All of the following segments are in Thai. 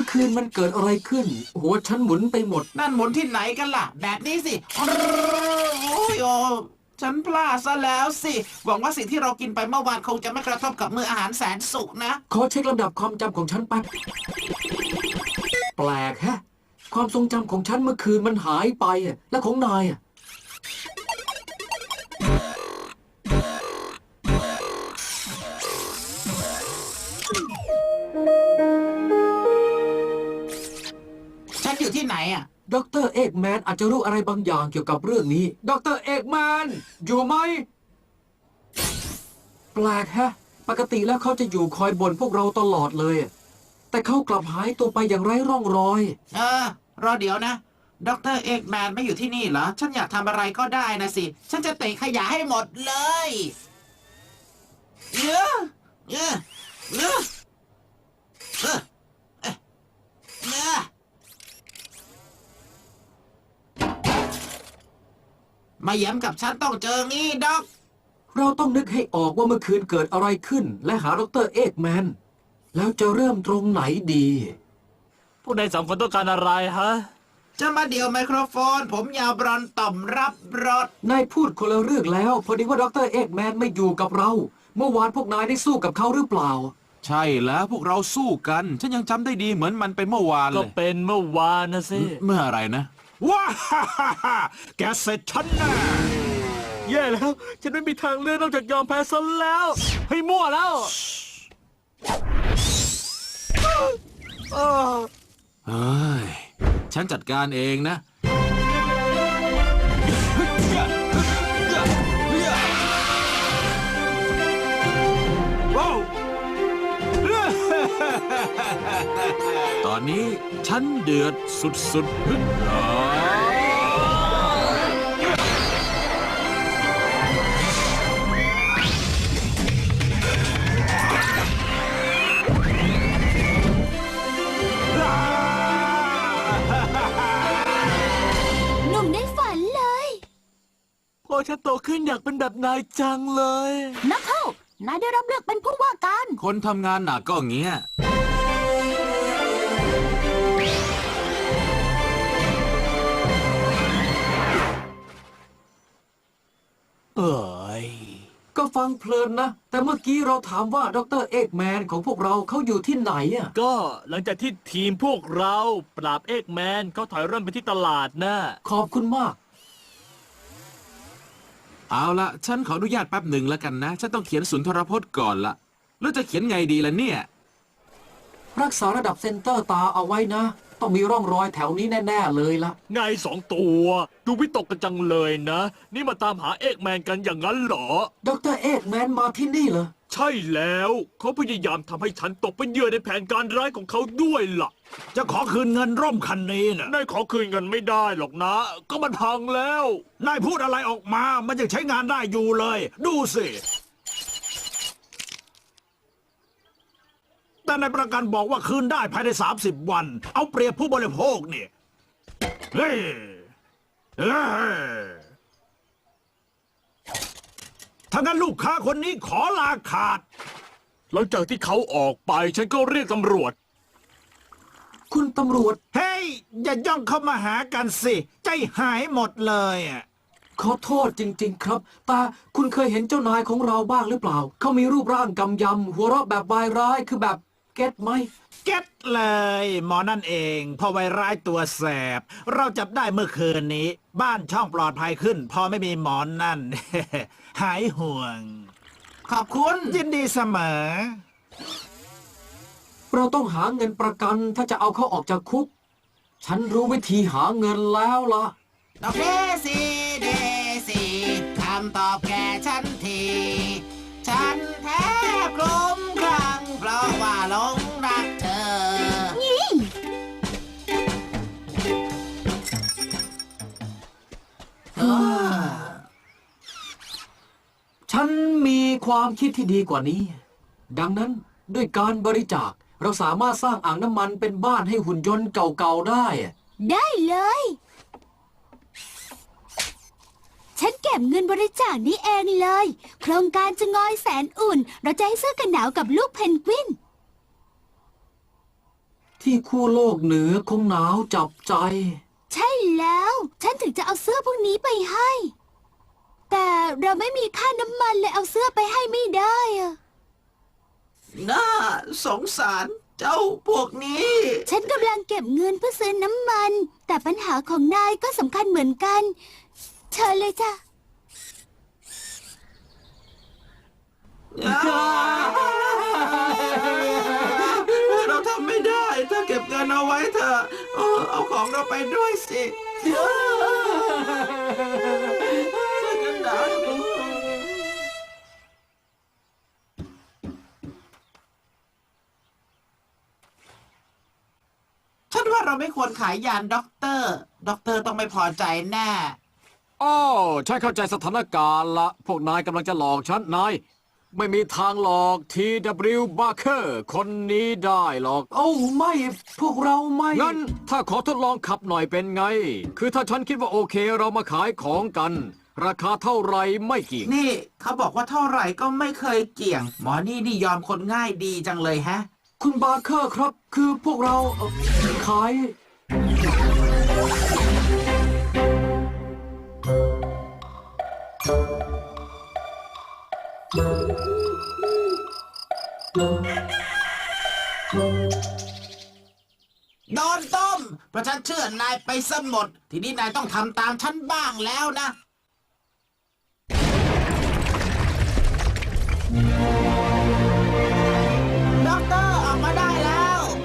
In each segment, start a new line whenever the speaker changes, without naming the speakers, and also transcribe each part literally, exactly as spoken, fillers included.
คืนมันเกิดอะไรขึ้นหัวฉันหมุนไปหมด
นั่นหมุนที่ไหนกันล่ะแบบนี้สิโอ้ยโอ้ฉันพลาดซะแล้วสิหวังว่าสิ่งที่เรากินไปเมื่อวานคงจะไม่กระทบกับมื้ออาหารแสนสุขนะ
ขอเช็คลำดับความจำของฉันแป๊บแปลกแฮะความทรงจำของฉันเมื่อคืนมันหายไปและของนายอะ
ฉันอยู่ที่ไหนอ่ะ
ดรเอกแมนอาจจะรู้อะไรบางอย่างเกี่ยวกับเรื่องนี้ดรเอกแมนอยู่ไหมแปลกแฮะปกติแล้วเขาจะอยู่คอยบ่นพวกเราตลอดเลยแต่เขากลับหายตัวไปอย่างไร้ร่องรอย
เออรอเดี๋ยวนะดรเอกแมนไม่อยู่ที่นี่เหรอฉันอยากทำอะไรก็ได้นะสิฉันจะเตะขยะให้หมดเลยเยอะเยอะเยอะเออเออเออมาย้ำกับฉันต้องเจองี้ด็อก
เราต้องนึกให้ออกว่าเมื่อคืนเกิดอะไรขึ้นและหาดรเอกแมนแล้วจะเริ่มตรงไหนดี
พวกนายสองคนต้องการอะไรฮะ
จะมาเดี่ยวไมโครโฟนผมยาวบรอนต่อมรับรส
นายพูดคนละเรื่องแล้วพอดีว่าดรเอกแมนไม่อยู่กับเราเมื่อวานพวกนายได้สู้กับเขาหรือเปล่า
ใช่แล้วพวกเราสู้กันฉันยังจำได้ดีเหมือนมันเป็นเมื่อวานเลย
ก็เป็นเมื่อวานนะสิ
เมื่ออะไรนะว้าฮ่าฮ่าฮ่าแกเสร็จฉันแน่
แย่แล้วฉันไม่มีทางเลือกนอกจากยอมแพ้ซะแล้วให้มั่วแล้ว
เฮ้ยฉันจัดการเองนะตอนนี้ฉันเดือดสุดๆพึ่งหา
หนุ่มได้ฝันเลย
พอฉันโตขึ้นอยากเป็นแบบนายจังเลย
นักเข้านายได้รับเลือกเป็นผู้ว่าการ
คนทำงานหนักก็เงี้ย
เอ้ยก็ฟังเพลินนะแต่เมื่อกี้เราถามว่าดรเอกแมนของพวกเราเขาอยู่ที่ไหนอ่ะ
ก็หลังจากที่ทีมพวกเราปราบเอกแมนเขาถอยร่นไปที่ตลาดนะ
ขอบคุณมาก
เอาละฉันขออนุญาตแป๊บหนึ่งแล้วกันนะฉันต้องเขียนสุนทรพจน์ก่อนละแล้วจะเขียนไงดีล่ะเนี่ย
รักษาระดับเซนเตอร์ตาเอาไว้นะต้องมีร่องรอยแถวนี้แน่ๆเลยล่ะ
ไงสองตัวดูวิตกกันจังเลยนะนี่มาตามหาเอกแมนกันอย่างนั้นเหรอ
ดรเอกแมนมาที่นี่เหรอ
ใช่แล้วเขาพยายามทำให้ฉันตกเป็นเหยื่อในแผนการร้ายของเขาด้วยล่ะ
จะขอคืนเงินร่มคันนี้นะ
นายขอคืนเงินไม่ได้หรอกนะก็มันพังแล้ว
นายพูดอะไรออกมามันยังใช้งานได้อยู่เลยดูสิแต่ในประกันบอกว่าคืนได้ภายในสามสิบวันเอาเปรียบผู้บริโภคเนี่ยเฮ้ยเฮ้ยถ้างั้นลูกค้าคนนี้ขอลาขาด
หลังจากที่เขาออกไปฉันก็เรียกตำรวจ
คุณตำรวจ
เฮ้ยอย่าย่องเข้ามาหากันสิใจหายหมดเลยอ่ะ
ขอโทษจริงๆครับตาคุณเคยเห็นเจ้านายของเราบ้างหรือเปล่าเขามีรูปร่างกำยำหัวเราะแบบวายร้ายคือแบบเก็ตไหม
เก็ตเลยหมอนั่นเองพอไวร้ายตัวแสบเราจับได้เมื่อคืนนี้บ้านช่องปลอดภัยขึ้นพอไม่มีหมอนนั่น หายห่วง
ขอบคุณ
ยินดีเสมอ
เราต้องหาเงินประกันถ้าจะเอาเขาออกจากคุกฉันรู้วิธีหาเงินแล้วล่ะ
ดอกเดซี่เดซี่คำตอบแก่ฉันทีฉันแทบคลุ้มคลั่งเพราะว่าหลงรักเธอ
ฉันมีความคิดที่ดีกว่านี้ดังนั้นด้วยการบริจาคเราสามารถสร้างอ่างน้ำมันเป็นบ้านให้หุ่นยนต์เก่าๆได้
ได้เลยฉันเก็บเงินบริจาคนี้เองเลยโครงการจะงอยแสนอุ่นเราจะให้เสื้อกันหนาวกับลูกเพนกวิน
ที่ขั้วโลกเหนือคงหนาวจับใจ
ใช่แล้ว ฉันถึงจะเอาเสื้อพวกนี้ไปให้ แต่เราไม่มีค่าน้ำมันเลยเอาเสื้อไปให้ไม่ได้อะ
น่าสงสารเจ้าพวกนี้
ฉันกำลังเก็บเงินเพื่อซื้อน้ำมัน แต่ปัญหาของนายก็สำคัญเหมือนกัน เชิญเลยจ้ะ
เราทำไม่ได้ถ้าเก็บเงินเอาไว้เถอะเออเอาของเราไปด้วยสิกันหนาวฉันว่าเราไม่ควรขายยานด็อกเตอร์ ด็อกเตอร์ต้องไม่พอใจแน่
อ้าวฉันเข้าใจสถานการณ์ละ พวกนายกำลังจะหลอกฉัน นาย ไม่มีทางหลอก ที ดับเบิลยู Barker คนนี้ได้หรอก โอ้ไม่ พวกเราไม่ งั้น ถ้าขอทดลองขับหน่อยเป็นไง คือถ้าฉันคิดว่าโอเคเรามาขายของกัน ราคาเท่าไรไม่เกี่ยง
นี่เขาบอกว่าเท่าไหร่ก็ไม่เคยเกี่ยง หมอนี่นี่ยอมคนง่ายดีจังเลยแฮะ
คุณบาร์เคอร์ครับ คือพวกเราเอ่อขาย
โดนต้ม เพราะฉันเชื่อนายไปซะหมด ทีนี้นายต้องทำตามฉันบ้างแล้วนะ ด็อกเตอร์ออกมาได้แล้ว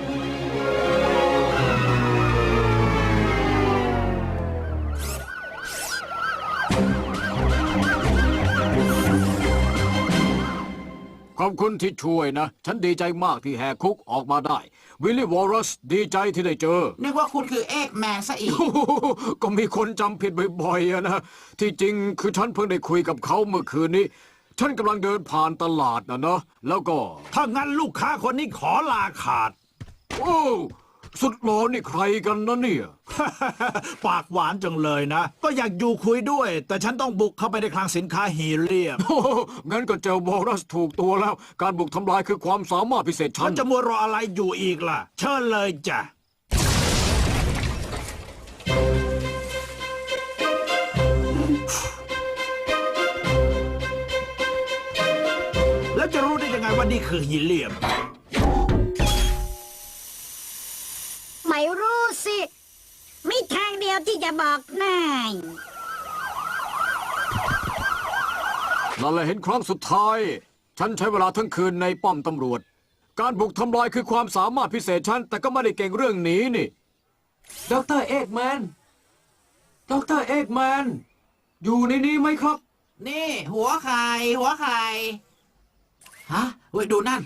ขอบคุณที่ช่วยนะ ฉันดีใจมากที่แหกคุกออกมาได้ วิลลี่วอลรัสดีใจที่ได้เจอ
นึกว่าคุณคือเอกแมนซะอีก
ก็มีคนจำผิดบ่อยๆอะนะ ที่จริงคือฉันเพิ่งได้คุยกับเขาเมื่อคืนนี้ ฉันกำลังเดินผ่านตลาดนะเนาะแล้วก็
ถ้างั้นลูกค้าคนนี้ขอลาขาด
โอ้ สุดหล่อนี่ใครกันนะเนี่ย
ปากหวานจังเลยนะ ก็อยากอยู่คุยด้วย แต่ฉันต้องบุกเข้าไปในคลังสินค้าฮีเลียม
โอ้โหงั้นก็เจอวอลรัสถูกตัวแล้ว การบุกทำลายคือความสามารถพิเศษฉั
มัน นจะมัวรออะไรอยู่อีกล่ะ เชิญเลยจ้ะ แล้วจะรู้ได้ยังไงว่านี่คือฮีเลียม
ไม่รู้สิ มีทางเดียวที่จะบอกนาย
นั่นแหละเห็นครั้งสุดท้าย ฉันใช้เวลาทั้งคืนในป้อมตำรวจ การบุกทำลายคือความสามารถพิเศษฉัน แต่ก็ไม่ได้เก่งเรื่องนี้นี่ด็อกเตอร์เอกแมนด็อกเตอร์เอกแมนอยู่ในนี้ไหมครับ
นี่ หัวไข่หัวไข่ฮะเว้ยดูนั่น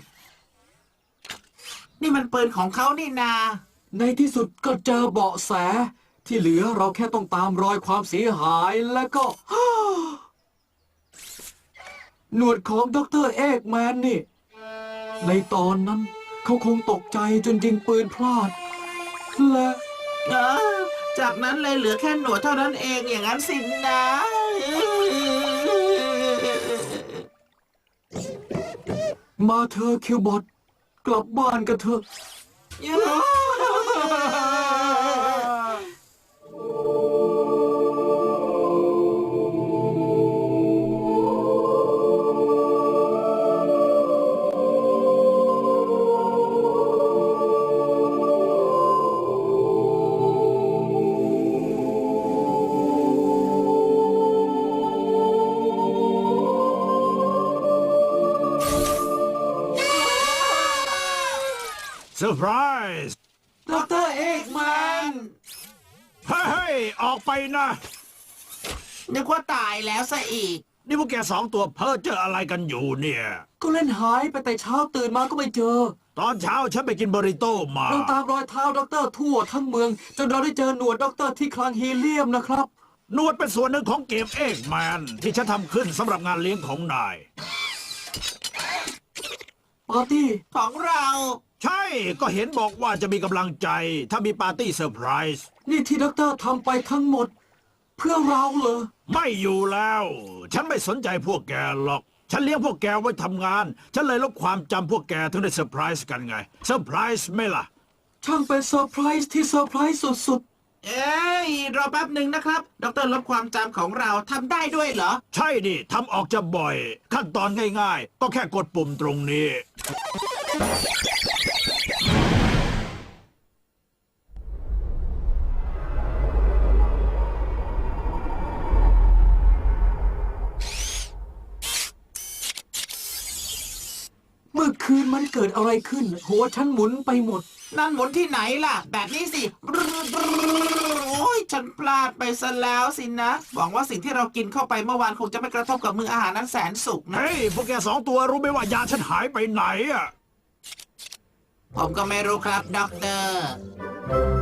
นี่มันปืนของเขานี่นา
ในที่สุดก็เจอเบาะแส ที่เหลือเราแค่ต้องตามรอยความเสียหายแล้วก็ หนวดของด็อกเตอร์เอกแมนนี่ ในตอนนั้นเขาคงตกใจจนยิงปืนพลาด และ
เออจากนั้นเลยเหลือแค่หนวดเท่านั้นเองอย่างนั้นสินะ
มาเธอะคิวบอทกลับบ้านกันเถอะ
เซอร์ไพรส์
ด็อกเตอร์เอกแมน
เฮ้ย ออกไปนะ
นึกว่าตายแล้วซะอีก
นี่พวกแกสองตัวเพ้อเจออะไรกันอยู่เนี่ย
ก็เล่นหายไปแต่เช้าตื่นมาก็ไม่เจอ
ตอนเช้าฉันไปกินบริโต้มา
เราตามรอยเท้าด็อกเตอร์ทั่วทั้งเมือง จนเราได้เจอหนวดด็อกเตอร์ที่คลังฮีเลียมนะครับ
นวดเป็นส่วนหนึ่งของเกมเอกแมนที่ฉันทำขึ้นสำหรับงานเลี้ยงของนาย
ปาร์ตี้
ของเรา
ใช่ก็เห็นบอกว่าจะมีกำลังใจ ถ้ามีปาร์ตี้เซอร์ไพรส์
นี่ที่ด็อกเตอร์ทำไปทั้งหมด เพื่อเราเหรอ
ไม่อยู่แล้ว ฉันไม่สนใจพวกแกหรอก ฉันเลี้ยงพวกแกไว้ทำงาน ฉันเลยลบความจำพวกแกถึงได้เซอร์ไพรส์กันไง เซอร์ไพรส์ไหมล่ะ
ช่างเป็นเซอร์ไพรส์ที่เซอร์ไพรส์สุด
เอ้ยรอแป๊บหนึ่งนะครับด็อกเตอร์ลบความจำของเราทำได้ด้วยเหรอ
ใช่ดิทำออกจะบ่อย ขั้นตอนง่ายๆ ก็แค่กดปุ่มตรงนี้
ๆ เมื่อคืนมันเกิดอะไรขึ้น หัวฉันหมุนไปหมด
นั่นหมุนที่ไหนล่ะ แบบนี้สิ โอ้ยฉันพลาดไปซะแล้วสินะ หวังว่าสิ่งที่เรากินเข้าไปเมื่อวานคงจะไม่กระทบกับมืออาหารนั้นแสนสุกนะ
เฮ้ย พวกแกสองตัวรู้ไหมว่ายาฉันหายไปไหนอะ
ผมก็ไม่รู้ครับด็อกเตอร์